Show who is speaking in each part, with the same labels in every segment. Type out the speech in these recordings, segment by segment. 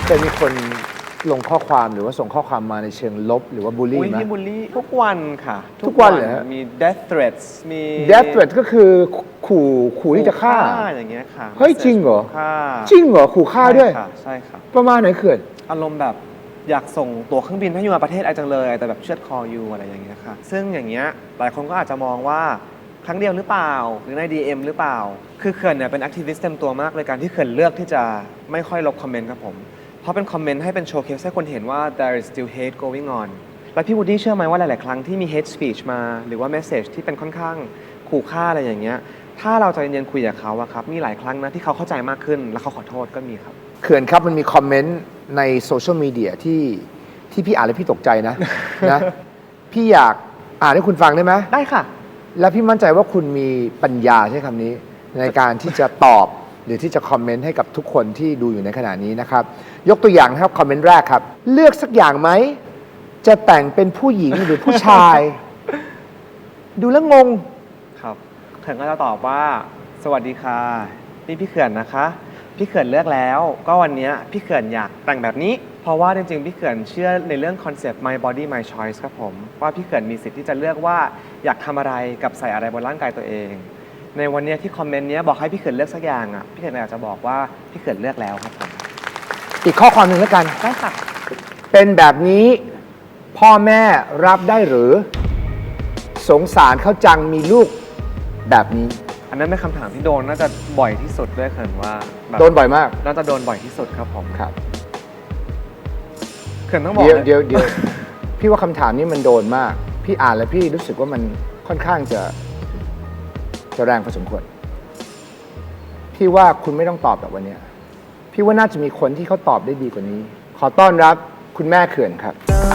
Speaker 1: จะมีคนลงข้อความหรือว่าส่งข้อความมาในเชิงลบหรือว่าบูลลี่ไหม
Speaker 2: มีบูลลี่ทุกวันค่ะ
Speaker 1: ทุกวันเหรอฮะ
Speaker 2: มี death threats มี
Speaker 1: death threat ก็คือขู่ที่จะฆ่า
Speaker 2: อย่างเงี้ยค่ะ
Speaker 1: เฮ้ยจริงเหรอ
Speaker 2: ฆ่า
Speaker 1: จริงเหรอขู่ฆ่าด้วย
Speaker 2: ใช่ค่ะใช่ค่ะ
Speaker 1: ประมาณไหนเขื่อน
Speaker 2: อารมณ์แบบอยากส่งตั๋วเครื่องบินให้อยู่มาประเทศไอจังเลยแต่แบบเชือดคออยู่อะไรอย่างเงี้ยค่ะซึ่งอย่างเงี้ยหลายคนก็อาจจะมองว่าครั้งเดียวหรือเปล่าหรือใน DM หรือเปล่าคือเขื่อนเนี่ยเป็นแอคทิวิสต์เต็มตัวมากเลยการที่เขื่อนเลือกที่จะไม่ค่อยลบคอมเมนต์ครับผมเพราะเป็นคอมเมนต์ให้เป็นโชว์เคสให้คนเห็นว่า there is still hate going on แล้วพี่วูดดี้เชื่อไหมว่าหลาย ๆ ครั้งที่มี hate speech มาหรือว่า message ที่เป็นค่อนข้างขู่ฆ่าอะไรอย่างเงี้ยถ้าเราใจเย็นๆคุยกับเขาอะครับมีหลายครั้งนะที่เขาเข้าใจมากขึ้นแล้วเขาขอโทษก็มีครับ
Speaker 1: เขื่อนครับมันมีคอมเมนต์ในโซเชียลมีเดียที่พี่อ่านแล้วพี่ตกใจนะ นะพี่อยากอ่านให้คุณฟังได้ไหม
Speaker 2: ได้ค่ะ
Speaker 1: และพี่มั่นใจว่าคุณมีปัญญาใช้คำนี้ในการที่จะตอบหรือที่จะคอมเมนต์ให้กับทุกคนที่ดูอยู่ในขณะนี้นะครับยกตัวอย่างนะครับคอมเมนต์แรกครับเลือกสักอย่างไหมจะแต่งเป็นผู้หญิงหรือผู้ชาย ดูแล้วงง
Speaker 2: ครับเขื่อนก็จะตอบว่าสวัสดีค่ะนี่พี่เขื่อนนะคะพี่เขื่อนเลือกแล้วก็วันนี้พี่เขื่อนอยากแต่งแบบนี้เพราะว่าจริงๆพี่เขื่อนเชื่อในเรื่องคอนเซปต์ my body my choice ครับผมว่าพี่เขื่อนมีสิทธิ์ที่จะเลือกว่าอยากทำอะไรกับใส่อะไรบนร่างกายตัวเอง ในวันนี้ที่คอมเมนต์นี้บอกให้พี่เขื่อนเลือกสักอย่างอ่ะพี่เขื่อนอยากจะบอกว่าพี่เขื่อนเลือกแล้วครับผม
Speaker 1: อีกข้อความหนึ่งแล้วกัน
Speaker 2: ได้ค่ะ
Speaker 1: เป็นแบบนี้พ่อแม่รับได้หรือสงสารเขาจังมีลูกแบบนี้
Speaker 2: อันนั้นเป็นคำถามที่โดนน่าจะบ่อยที่สุดด้วยเขื่อนว่าแบบ
Speaker 1: โดนบ่อยมาก
Speaker 2: น่าจะโดนบ่อยที่สุดครับผม
Speaker 1: ครับ
Speaker 2: เขื่อนต้องบอก
Speaker 1: เดี๋ยว
Speaker 2: เลย
Speaker 1: เดี๋ยวพี่ว่าคำถามนี้มันโดนมาก พี่อ่านแล้วพี่รู้สึกว่ามันค่อนข้างจะแรงพอสมควรพี่ว่าคุณไม่ต้องตอบแบบวันเนี้ยพี่ว่าน่าจะมีคนที่เขาตอบได้ดีกว่านี้ ขอต้อนรับคุณแม่เขื่อนครับ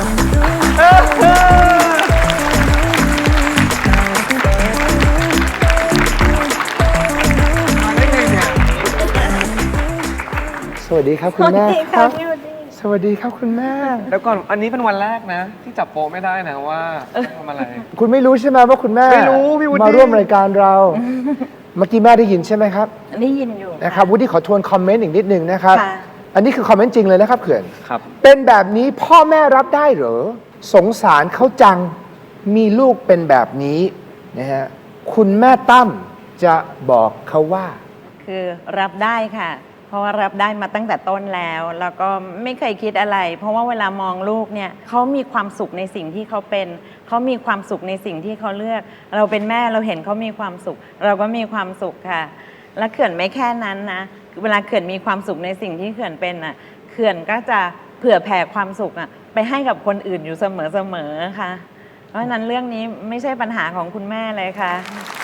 Speaker 1: สวัสดีครับคุณแม่ครับ สวัสดีครับคุณแม่
Speaker 2: แล้วก่อนอันนี้เป็นวันแรกนะ ที่จับโป๊ะไม่ได้นะว่าทำอะไร
Speaker 1: คุณไม่รู้ใช่ไหมว่าคุณแม่
Speaker 2: ไม่รู้พี่วุฒิ
Speaker 1: มาร่วมรายการเรา เมื่อกี้แม่ได้ยินใช่ไหมครับ
Speaker 3: ได้ยินอยู่
Speaker 1: นะครับวุฒิขอทวนคอมเมนต์อีกนิดนึงนะครับ
Speaker 3: ค่ะ
Speaker 1: อันนี้คือคอมเมนต์จริงเลยนะครับเขื่อน
Speaker 2: ครับ
Speaker 1: เป็นแบบนี้พ่อแม่รับได้เหรอ สงสารเขาจังมีลูกเป็นแบบนี้นะฮะคุณแม่ตั้มจะบอกเขาว่า
Speaker 3: คือรับได้ค่ะ เพราะว่ารับได้มาตั้งแต่ต้นแล้ว แล้วก็ไม่เคยคิดอะไร เพราะว่าเวลามองลูกเนี่ยเขามีความสุขในสิ่งที่เขาเป็นเขามีความสุขในสิ่งที่เขาเลือก เราเป็นแม่เราเห็นเขามีความสุข เราก็มีความสุขค่ะ และเขื่อนไม่แค่นั้นนะเวลาเขื่อนมีความสุขในสิ่งที่เขื่อนเป็นอ่ะเขื่อนก็จะเผื่อแผ่ความสุขอ่ะไปให้กับคนอื่นอยู่เสมอๆค่ะ เพราะฉะนั้นเรื่องนี้ไม่ใช่ปัญหาของคุณแม่เลยค่ะ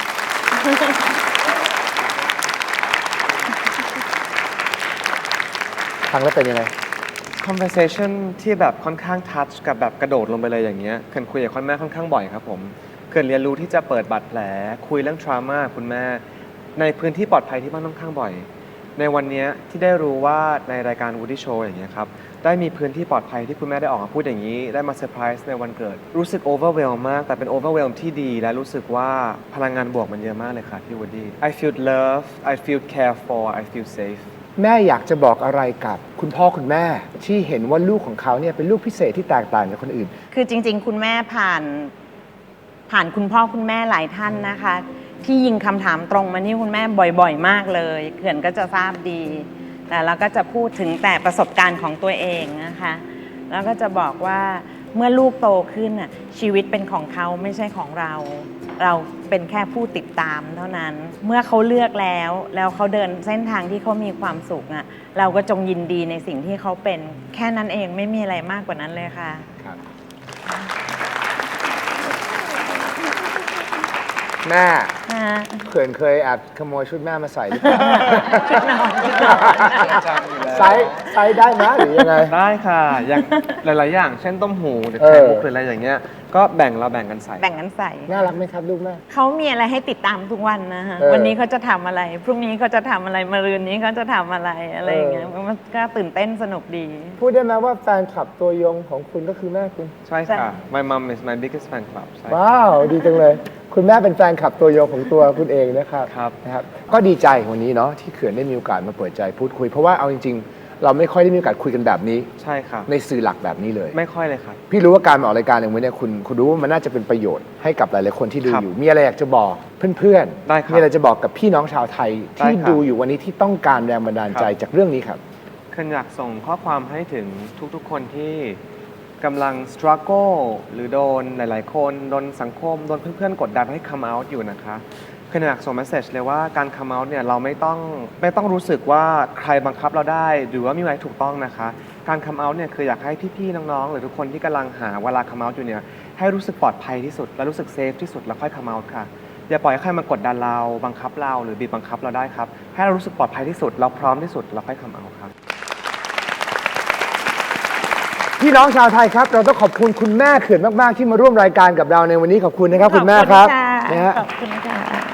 Speaker 1: ฟังแล้วเป็นยังไง
Speaker 2: conversation ที่แบบค่อนข้าง touch กับแบบกระโดดลงไปเลยอย่างเงี้ยเขื่อนคุยกับคุณแม่ค่อนข้างบ่อยครับผมเขื่อนเรียนรู้ที่จะเปิดบาดแผลคุยเรื่อง trauma คุณแม่ในพื้นที่ปลอดภัยที่บ้านค่อนข้างบ่อย ในวันนี้ที่ได้รู้ว่าในรายการ Woody Show อย่างเงี้ยครับได้มีพื้นที่ปลอดภัยที่คุณแม่ได้ออกมาพูดอย่างนี้ได้มาเซอร์ไพรส์ในวันเกิดรู้สึก overwhelm มากแต่เป็น overwhelm ที่ดีและรู้สึกว่าพลังงานบวกมันเยอะมากเลยค่ะพี่ Woody I feel loved I feel cared for I feel safe
Speaker 1: แม่อยากจะบอกอะไรกับคุณพ่อคุณแม่ที่เห็นว่าลูกของเขาเนี่ยเป็นลูกพิเศษที่แตกต่างจากคนอื่น
Speaker 3: คือจริงๆ คุณแม่ผ่านคุณพ่อคุณแม่หลายท่านนะคะ ที่ยิงคำถามตรงมาที่คุณแม่บ่อยๆ มากเลยเขื่อนก็จะทราบดี แต่เราก็จะพูดถึงแต่ประสบการณ์ของตัวเองนะคะแล้วก็จะบอกว่าเมื่อลูกโตขึ้นน่ะชีวิตเป็นของเขาไม่ใช่ของเรา เราเป็นแค่ผู้ติดตามเท่านั้น เมื่อเขาเลือกแล้วเขาเดินเส้นทางที่เขามีความสุขอ่ะเราก็จงยินดีในสิ่งที่เขาเป็นแค่นั้นเองไม่มีอะไรมากกว่านั้นเลยค่ะ
Speaker 1: แม่
Speaker 3: นะ
Speaker 1: เขื่อนเคยแอบขโมยชุดแม่มาใส่หรือเปล่า
Speaker 3: ชุดนอน
Speaker 1: ไซส์ได้ไหมหรือยังไง
Speaker 2: ได้ค่ะอย่างหลาย ๆ อย่าง เช่นต้มหูหรือ
Speaker 1: เออ
Speaker 2: ไข่มุกหรืออะไรอย่างเงี้ย ก็เราแบ่งกันใส่
Speaker 3: แบ่งกันใส่
Speaker 1: น่ารักไหมครับลูกแม่
Speaker 3: เขามีอะไรให้ติดตามทุกวันนะฮะ
Speaker 1: เออ
Speaker 3: วันนี้เขาจะทำอะไร พรุ่งนี้เขาจะทำอะไรมะรืนนี้เขาจะทำอะไรอะไรอย่างเงี้ยมันก็ตื่นเต้นสนุกดี
Speaker 1: พูดได้ไหมว่าแฟนคลับตัวยงของคุณก็คือแม่คุณ
Speaker 2: ใช่ค่ะ My mom is my biggest fan club ใช่
Speaker 1: ว้าว ดีจังเลย คุณแม่เป็นแฟนคลับตัวยงของตัวคุณเองนะครับ
Speaker 2: ครับ
Speaker 1: นะครับ ก็ดีใจวันนี้เนาะที่เขื่อนได้มีโอกาสมาเปิดใจพูดคุย เพราะว่าเอาจริงเราไม่ค่อยได้มีโอกาสคุยกันแบบนี้
Speaker 2: ใช่ครับ
Speaker 1: ในสื่อหลักแบบนี้เลย
Speaker 2: ไม่ค่อยเลยครับ
Speaker 1: พี่รู้ว่าการมาออกรายการอย่างนี้เนี่ยคุณรู้ว่ามันน่าจะเป็นประโยชน์ให้กับหลายๆคนที่ดู
Speaker 2: ครับ
Speaker 1: อยู่ มีอะไรอยากจะบอกเพื่อน
Speaker 2: ได้ครับ
Speaker 1: มีอะไรจะบอกกับพี่น้องชาวไทยที่
Speaker 2: ได้ครับ
Speaker 1: ดูอยู่วันนี้ที่ต้องการแรงบันดาลใจ
Speaker 2: ครับ
Speaker 1: จากเรื่องนี้ครับ
Speaker 2: เคนอยากส่งข้อความให้ถึงทุกๆ คนที่กำลัง struggle หรือโดนหลายๆ คนโดนสังคมโดนเพื่อนๆ กดดันให้ come out อยู่นะคะเคนอยากส่ง message เลยว่าการ come out เนี่ยเราไม่ต้องรู้สึกว่าใครบังคับเราได้หรือว่ามีอะไรถูกต้องนะคะ การ come out เนี่ยคืออยากให้พี่ๆ น้องๆ หรือทุกคนที่กำลังหาเวลา come out อยู่เนี่ยให้รู้สึกปลอดภัยที่สุดและรู้สึกเซฟที่สุดแล้วค่อย come out ค่ะอย่าปล่อยให้ใครมากดดันเราบังคับเราหรือบีบบังคับเราได้ครับให้เรารู้สึกปลอดภัยที่สุดเราพร้อมที่สุดแล้วค่อย come out ครับ
Speaker 1: พี่น้องชาวไทยครับ เราต้องขอบคุณคุณแม่เขื่อนมากๆที่มาร่วมรายการกับเราในวันนี้ขอบคุณนะครับ คุณแม่ครับ
Speaker 3: ขอบคุณ
Speaker 1: นะฮะ
Speaker 3: ค่ะขอบคุณค่ะ